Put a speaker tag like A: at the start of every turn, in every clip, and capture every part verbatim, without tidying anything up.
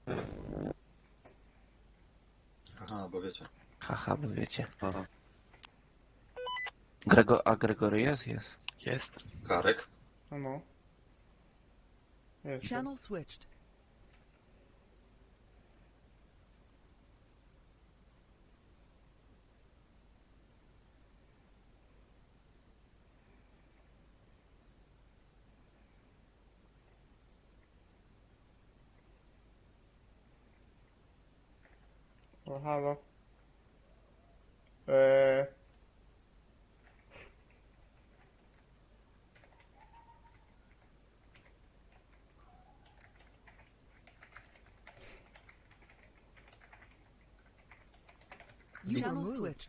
A: Aha, bo wiecie.
B: Haha, bo wiecie. Aha. Grego, a Gregory jest? Jest.
C: Jest.
A: Karek.
D: No no. Jest.
E: Channel switched.
D: O, halo. Eee...
E: You were switched.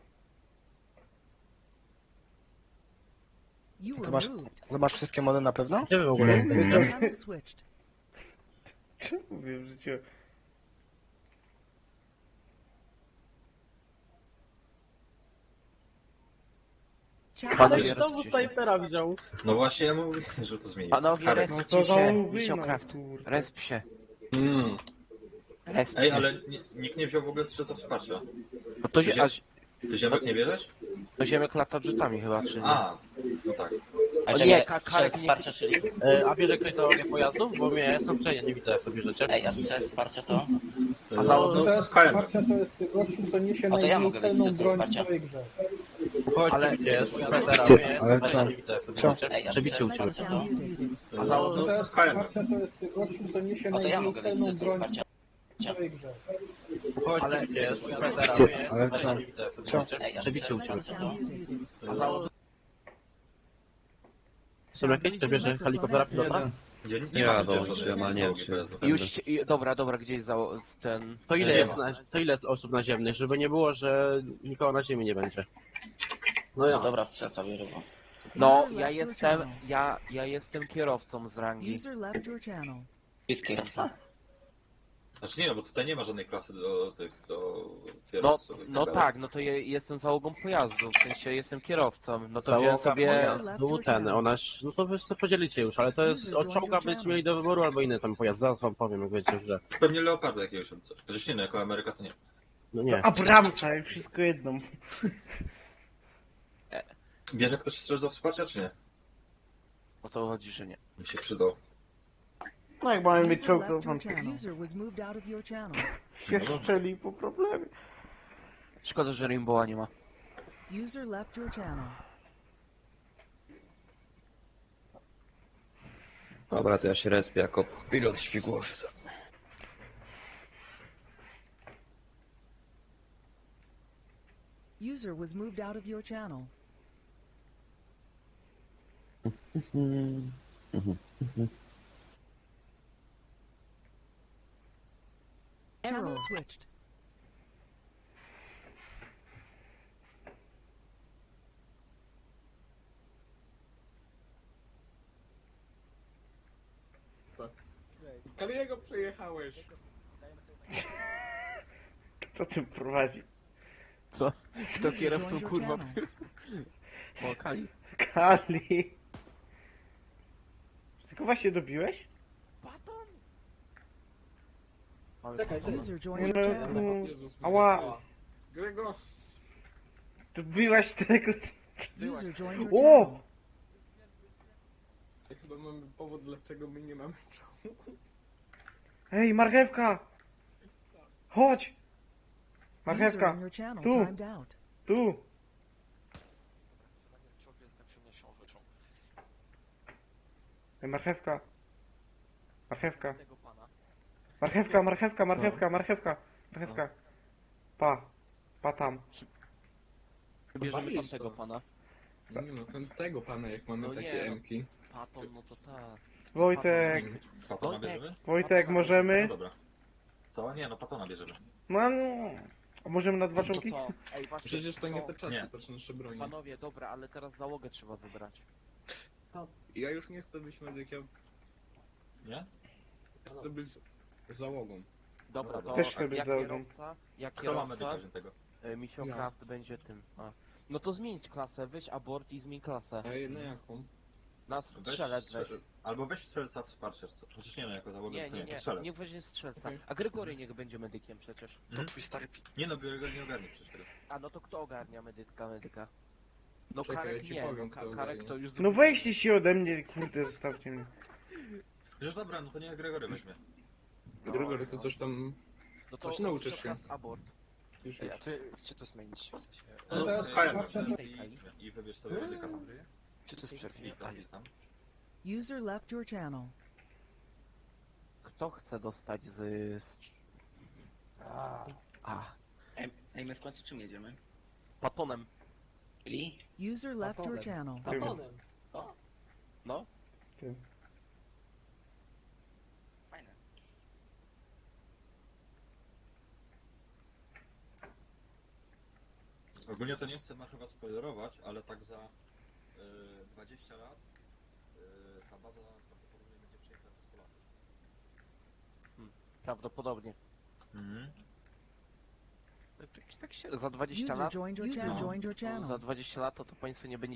E: You
C: To
E: were
C: masz,
E: moved.
C: to masz wszystkie mody na pewno? Gdzie wy w ogóle jesteście?
E: Channel switched.
D: Czemu mówię w życiu?
E: Channel
B: Panowie,
F: Znowu
B: rozciszę.
F: snajpera widział.
A: No właśnie, ja mówię, że to zmieni.
B: Panowie,
A: Karek.
D: No
B: respcie
D: to za
B: się.
D: łby,
B: Misiokraft.
D: no kurde.
B: Resp się.
A: Mm.
B: Resp
A: Ej,
B: się.
A: ale ni nikt nie wziął w ogóle strzelca wsparcia.
B: No to, zie- a,
A: Ty ziemek nie bierzesz?
B: to ziemek lata rzutami chyba, czy nie?
A: A, no tak.
B: O nie, ka- Karek nie...
F: E, a bierze ktoś załogi pojazdów? Bo mnie jestem przejdzie, nie widzę jak to bierzecie.
G: Ej, a co wsparcia to?
A: A
F: załogi-
A: no,
H: To jest
A: K M.
H: wsparcia, to jest gościu, co niesie
G: A to ja
H: najmniej
G: mogę
H: celną
G: wiedzieć, że to
H: broń w
G: wsparcia.
H: całej grze.
F: Chodź,
C: Ale-
F: ale gdzie jest? Snajpera,
C: Ty,
F: mnie,
C: ale
F: ale
C: co?
F: nie widzę jak to
C: Co?
F: bierzecie.
G: Ej, a
F: Przebicie u ciebie.
E: Microphone muted.
A: A
H: To
A: no,
H: jest
A: K M.
H: wsparcia, to jest gościu, co niesie
G: A to ja
H: najmniej
G: mogę wiedzieć,
H: celną
G: że to
H: broń
G: wsparcia.
H: w całej grze.
F: Chodź,
C: Ale-
F: ale gdzie jest? Snajpera,
C: Ty,
F: mnie,
C: ale
F: ale
C: co?
F: nie widzę jak to
C: Co?
F: bierzecie.
G: Ej, a
F: Przebicie u ciebie.
E: Microphone muted.
F: A załogi- Są jakieś? To bierze helikoptera pilota?
A: Nie, nie,
I: Nie
A: ma
I: jadą,
A: przecież
I: ja ma nie
A: załogi
I: wiem,
A: pojazdów.
B: Już, się- i- dobra, dobra, gdzie jest za, ten...
F: To ile
A: Nie
F: jest,
A: ma.
F: na, to ile jest osób naziemnych, żeby nie było, że nikogo na ziemi nie będzie. No ja.
G: No dobra, strzelca bierze. bo-
B: No, ja jestem, ja, ja jestem kierowcą z rangi.
E: User left your channel.
G: Wszystkie.
A: Znaczy nie, no bo tutaj nie ma żadnej klasy do tych, do
B: No,
A: kierowców. i
B: no
A: dalej.
B: tak, no to ja jestem załogą pojazdu, w sensie jestem kierowcą, no to wziąłem
F: Załoga
B: sobie...
F: pojazdu, ten, ona, no to wy sobie podzielicie już, ale to jest od czołga byście mieli do wyboru albo inny tam pojazd, zaraz wam powiem jak będziecie że.
A: Pewnie Leoparda jakiegoś albo coś. Chociaż nie, no jako Ameryka to nie.
F: No nie.
D: Abramcza, jak wszystko jedną.
A: Bierze ktoś strzelc do wsparcia, czy nie?
B: O to chodzi, że nie.
A: Mi się przydał.
D: No jak mamy mieć
E: User
D: czołg,
E: left
D: to
E: your
D: wam
E: channel. User was moved out of your channel.
D: się strzeli po problemie.
B: Szkoda, że Rainbowa nie ma.
E: User left your channel.
I: Dobra, to ja się respię jako pilot śmigłowca.
E: User was moved out of your channel. Channel switched.
F: Kaliego przejechałeś.
D: Kto tym prowadzi?
B: Co? Kto
E: User
B: kierowcą,
E: joined your
B: kurwa?
E: channel.
B: O, Kali.
D: Kali. Tylko właśnie dobiłeś?
E: User joined
D: Nie
E: your
D: no,
E: channel.
D: no, ała.
F: Grego.
D: Dobiłaś tego...
E: User joined your
D: O!
E: channel.
F: Chyba mamy powód, dlaczego my nie mamy czołgu.
D: Ej, marchewka! Chodź!
E: User
D: Marchewka,
E: in your channel
D: Tu.
E: timed out.
D: tu! Ej, marchewka. Marchewka. Marchewka, marchewka, marchewka, marchewka. Marchewka. Pa. Pa tam.
B: Bierzemy tamtego pana.
F: Nie no, ten tego pana, jak mamy
B: No
F: takie
B: nie, no.
F: emki.
B: Paton, no to tak.
D: Wojtek,
A: Patona
B: Wojtek.
A: bierzemy?
D: Wojtek,
A: No
D: możemy?
A: dobra. Co? Nie, no Patona bierzemy.
D: No, no. A możemy na dwa
B: No to
D: czołgi?
B: co? Ej, właśnie,
F: Przecież to nie te
A: Nie.
F: czasy, to są nasze broni.
B: Panowie, dobra, ale teraz załogę trzeba wybrać.
F: Ja już nie chcę być medykiem,
A: Nie?
F: chcę być załogą.
B: Dobra, to
D: Też chcę być
B: jak
D: załogą.
B: kierowca, jak
A: Kto ma
B: kierowca,
A: medyka tego?
B: y, Misio
F: Ja.
B: Craft będzie tym. A. No to zmienić klasę, weź abort i zmień klasę.
F: A na jaką?
B: Na
A: Weź
B: strzelec weź.
A: strzel- Albo weź strzelca wsparcia, co- chociaż nie wiem, jako załoga,
B: Nie,
A: to
B: nie,
A: nie, to
B: nie,
A: strzelec.
B: niech weźmie strzelca.
H: Okej.
B: A Gregory niech będzie medykiem przecież.
A: Mhm. Nie no, biorę go nie ogarnie przecież tego.
B: A no to kto ogarnia medyka, medyka? No
H: Czekaj,
B: Karek
H: ja ci
B: nie,
H: powiem,
B: no,
H: kto
B: Ka- Karek
H: ogarnia.
B: to już...
D: No weźcie się ode mnie, kurde, zostawcie mnie.
A: Że dobra, no to niech Gregory weźmie.
H: Gregory, to coś tam...
B: No to
H: Coś nauczysz się.
B: Kaz abort.
H: Już,
C: Ej, a ty, gdzie to zmienić?
A: No,
H: teraz
A: Kaja,
H: patrzę,
A: weźmie
B: że-
A: i, i wybierz sobie medyka.
C: Gdzie to jest
A: I
C: przerwie?
A: tam, i tam.
E: User left your channel.
B: Kto chce dostać z... A,
G: Ej, ej, my w końcu czym jedziemy?
B: patonem.
G: Czyli?
E: User left your channel.
G: O,
B: No.
D: Ty.
G: fajne.
A: Ogólnie to nie chcę ma chyba spoilerować, ale tak za y, dwadzieścia lat y, ta baza prawdopodobnie będzie przejęta przez Polaków.
B: Prawdopodobnie.
A: Mhm.
B: Tak, tak się, za dwadzieścia
E: User
B: lat...
E: joined your
B: No.
E: channel. Joined your
B: Za
E: channel.
B: dwadzieścia lat to, to państwo nie będzie